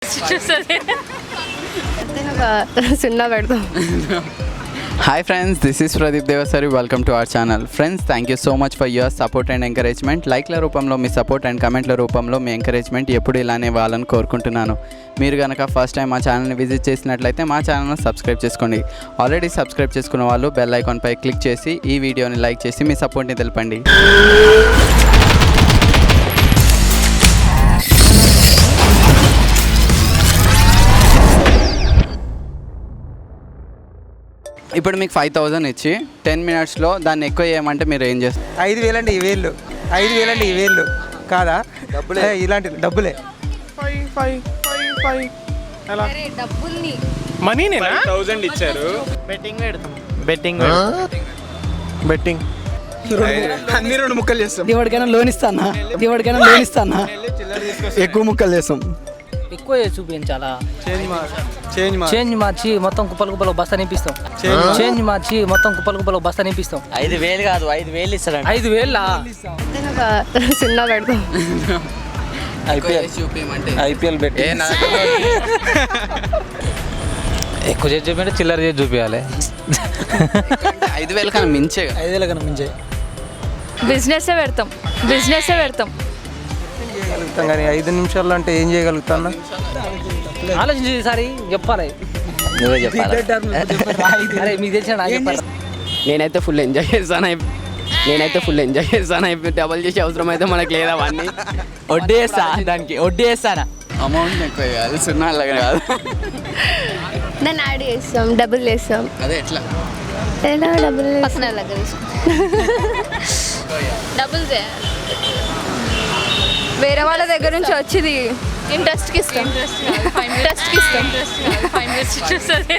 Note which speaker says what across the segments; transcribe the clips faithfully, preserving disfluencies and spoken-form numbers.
Speaker 1: చూస్తుంది
Speaker 2: సున్నా పెడతాం.
Speaker 3: Hi friends, this is Pradeep Devasari. Welcome to our channel. Friends, thank you so much for your support and encouragement. లైక్ల రూపంలో మీ సపోర్ట్ అండ్ కమెంట్ల రూపంలో మీ ఎంకరేజ్మెంట్ ఎప్పుడు ఇలానే ఇవ్వాలని కోరుకుంటున్నాను. మీరు కనుక ఫస్ట్ టైం మా ఛానల్ని విజిట్ చేసినట్లయితే మా ఛానల్ని సబ్స్క్రైబ్ చేసుకోండి. ఆల్రెడీ సబ్స్క్రైబ్ చేసుకున్న వాళ్ళు బెల్ ఐకాన్పై క్లిక్ చేసి ఈ వీడియోని లైక్ చేసి మీ సపోర్ట్ని తెలపండి. ఇప్పుడు మీకు ఫైవ్ థౌజండ్ ఇచ్చి టెన్ మినిట్స్లో దాన్ని ఎక్కువ చేయమంటే మీరు ఏం చేస్తారు?
Speaker 4: ఐదు వేలు అంటే ఈ వేళ్ళు ఐదు వేలు అంటే ఈ వేళ్ళు కాదా? డబ్బులే, ఇలాంటి డబ్బులే.
Speaker 5: ఫైవ్ ఫైవ్ ఫైవ్ ఫైవ్ ఎలా
Speaker 2: డబ్బుల్ని
Speaker 5: మనీ థౌజండ్ ఇచ్చారు. బెట్టింగ్ పెడతాం. బెట్టింగ్ బెట్టింగ్ అన్ని రెండు ముక్కలు చేస్తాం.
Speaker 6: ఎవరికైనా లోన్ ఇస్తానా ఎవరికైనా లోన్ ఇస్తానా ఎక్కువ ముక్కలు చేస్తాం.
Speaker 7: ఎక్కువ చూపించాలా?
Speaker 4: చేంజ్
Speaker 7: చేంజ్ మార్చి మొత్తం కుప్పలు కుప్పలు బస్తా నింపిస్తాం. చేంజ్ మార్చి మొత్తం కుప్పలు కుప్పలు బస్తా నింపిస్తాం.
Speaker 6: ఐదు వేలు కాదు, ఐదు వేలు ఇస్తాడు.
Speaker 7: ఐదు వేల
Speaker 2: సున్నా పెడతాం.
Speaker 7: ఐపీఎల్ ఐపీఎల్ పెట్టి ఎక్కువ చేసి చూపించే చిల్లర చేసి చూపించాలి.
Speaker 3: ఐదు వేల కన్నా మించే
Speaker 7: ఐదు వేల కన్నా మించే
Speaker 1: బిజినెస్ పెడతాం. బిజినెస్ పెడతాం
Speaker 4: చేయగలుగుతాం కానీ ఐదు నిమిషాల్లో అంటే ఏం చేయగలుగుతాను?
Speaker 7: ఆలోచించి సారి చెప్పాలి.
Speaker 6: నువ్వే చెప్పాలి.
Speaker 7: అరే మీకు తెలిసిన నాకు చెప్పాలి.
Speaker 3: నేనైతే ఫుల్ ఎంజాయ్ చేస్తాను. నేనైతే ఫుల్ ఎంజాయ్ చేస్తాను. అయిపోయి డబల్ చేసే అవసరం అయితే మనకు లేదా అవన్నీ
Speaker 6: వడ్డీ వేస్తా, దానికి వడ్డీ వేస్తానా?
Speaker 3: అమౌంట్ ఎక్కువ కాదు, సున్నా అలాగే కాదు.
Speaker 2: దాన్ని యాడ్ చేస్తాం, డబుల్ వేస్తాం.
Speaker 3: అదే ఎట్లా
Speaker 2: ఎలా డబుల్
Speaker 1: పక్కన దగ్గర డబుల్ చేయాలి. వేరే వాళ్ళ దగ్గర నుంచి వచ్చింది ఇంట్రెస్ట్కి ఇస్తాం. ఇంట్రెస్ట్కి ఇస్తాం. ఫైవ్ మినిట్స్ చూస్తుంది.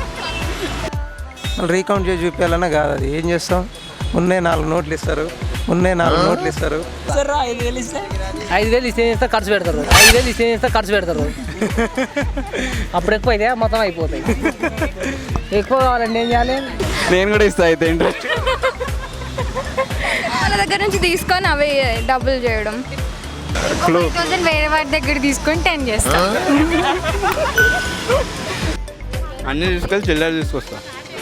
Speaker 4: రీకౌంట్ చేసి చూపించాలన్నా కాదు. అది ఏం చేస్తాం? ఉన్నే నాలుగు నోట్లు ఇస్తారు. ఉన్నే నాలుగు నోట్లు ఇస్తారు.
Speaker 7: ఐదు వేలు ఇస్తే ఐదు వేలు ఇస్తే చేస్తే ఖర్చు పెడతారు. ఐదు వేలు ఇస్తే చేస్తే ఖర్చు పెడతారు. అప్పుడు ఎక్కువ అయితే మొత్తం అయిపోతాయి. ఎక్కువ కావాలండి ఏం చేయాలి?
Speaker 3: నేను కూడా ఇస్తా అయితే ఇంట్రెస్ట్.
Speaker 1: వాళ్ళ దగ్గర నుంచి తీసుకొని అవి డబుల్ చేయడం. వేరే వాటి దగ్గర తీసుకొని టెన్ చేస్తాం.
Speaker 5: అన్ని తీసుకెళ్ళి చిల్లర తీసుకొస్తా.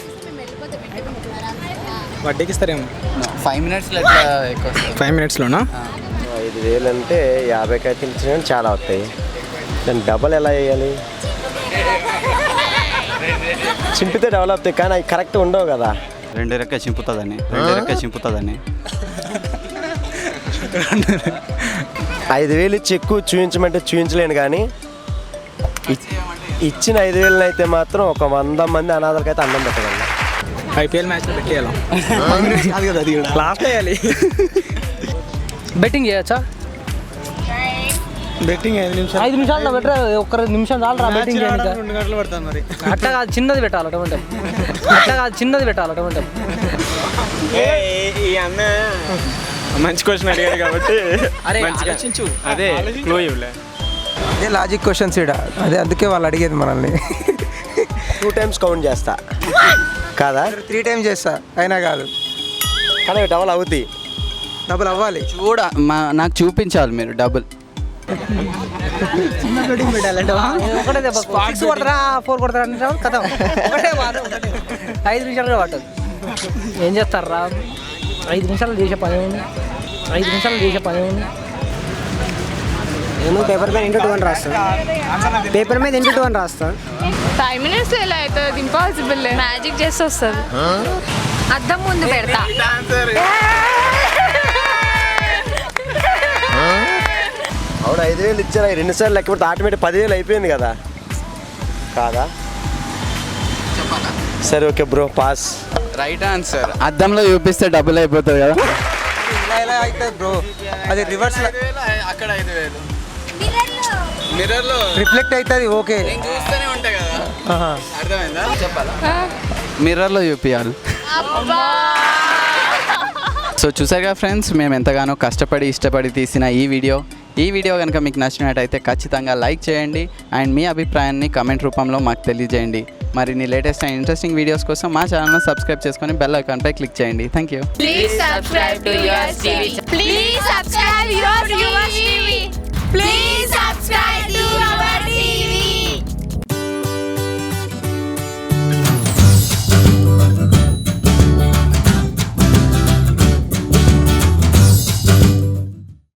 Speaker 5: వడ్డీకి ఇస్తారేమో.
Speaker 3: ఫైవ్ మినిట్స్లో ఎట్లా ఎక్కువ
Speaker 5: ఫైవ్ మినిట్స్లోనా?
Speaker 8: ఐదు వేలు అంటే యాభై కాయలు ఇచ్చినా చాలా వస్తాయి. దాన్ని డబల్ ఎలా వేయాలి? చింపితే డెవలప్ అవుతాయి కానీ అవి కరెక్ట్ ఉండవు కదా.
Speaker 3: రెండు రెక్క చింపుతుందని రెండు రెక్క చింపుతుందని
Speaker 8: ఐదు వేలు ఇచ్చి ఎక్కువ చూపించమంటే చూపించలేను కానీ ఇచ్చిన ఐదు వేలను అయితే మాత్రం ఒక వంద మంది అనాథలకైతే అన్నం పెట్టగలను.
Speaker 5: ఐపీఎల్ మ్యాచ్లో పెట్టేయాలి. లాస్ట్ వేయాలి.
Speaker 7: బెట్టింగ్ చేయొచ్చా?
Speaker 5: బెట్టింగ్ ఐదు నిమిషాలు
Speaker 7: ఐదు నిమిషాలు పెట్టరా? ఒక్క నిమిషం చాలరా బెట్టింగ్ చేయడానికి?
Speaker 5: రెండు గంటలు పడుతుంది మరి.
Speaker 7: అట్లా కాదు, చిన్నది పెట్టాలి. అటువంటి అట్లా కాదు, చిన్నది పెట్టాలి. అటువంటి
Speaker 5: ఈ అన్న మంచి క్వశ్చన్ అడిగాడు కాబట్టి
Speaker 7: అరే
Speaker 5: మంచిగా
Speaker 7: ఆలోచించు.
Speaker 5: అదే క్లూ ఇవ్వలే.
Speaker 4: అదే లాజిక్ క్వశ్చన్స్ ఇడ. అదే అందుకే వాళ్ళు అడిగేది మనల్ని.
Speaker 8: టూ టైమ్స్ కౌంట్ చేస్తా కాదా?
Speaker 4: త్రీ టైమ్స్ చేస్తా అయినా కాదు.
Speaker 8: కానీ డబల్ అవుతాయి.
Speaker 4: డబ్బులు అవ్వాలి.
Speaker 3: చూడ మా నాకు చూపించాలి మీరు డబుల్.
Speaker 7: ఒకటే దెబ్బ సిక్స్ కొడతారా ఫోర్ కొడతారా అంటే కథ ఒకటే వాడు ఐదు నిమిషాలు పట్టదు. ఏం చేస్తారా? ఐదు నిమిషాలు చేసే పని ఉంది. ఐదు నిమిషాలు చేసే పని ఉంది.
Speaker 6: నేను పేపర్ మీద ఇంటూ టూ అని రాస్తాను. పేపర్ మీద ఇంటూ టూ అని రాస్తాను.
Speaker 1: ఫైవ్ మినిట్స్ ఎలా అవుతుంది? ఇంపాసిబుల్. మ్యాజిక్ చేసి వస్తుంది. అద్దం ముందు పెడతా.
Speaker 8: అవును, ఐదు వేలు ఇచ్చారా? రెండు సార్లు లెక్క పెడితే ఆటోమేటిక్ పదివేలు అయిపోయింది కదా కాదా? సరే okay bro, pass.
Speaker 3: Right answer. అద్దంలో చూపిస్తే డబుల్ అయిపోతుంది కదా.
Speaker 4: ఇలా ఇలా అవుతుంది బ్రో. అది రివర్స్
Speaker 3: అక్కడ ఐదు వేలు మిర్రర్లో
Speaker 4: రిఫ్లెక్ట్ అవుతుంది. ఓకే,
Speaker 3: చూస్తూనే ఉంటాయి కదా. అర్థమైందా? చెప్పాలా? మిర్రర్లో చూపించాలి. సో చూసారుగా ఫ్రెండ్స్, మేము ఎంతగానో కష్టపడి ఇష్టపడి తీసిన ఈ వీడియో ఈ వీడియో కనుక మీకు నచ్చినట్టయితే ఖచ్చితంగా లైక్ చేయండి అండ్ మీ అభిప్రాయాన్ని కమెంట్ రూపంలో మాకు తెలియజేయండి. మరిన్ని లేటెస్ట్ అండ్ ఇంట్రెస్టింగ్ వీడియోస్ కోసం మా ఛానల్ను సబ్స్క్రైబ్ చేసుకొని బెల్ ఐకాన్పై క్లిక్ చేయండి. Thank you.
Speaker 1: Please subscribe to yours T V. Please subscribe yours T V. Please subscribe to our T V.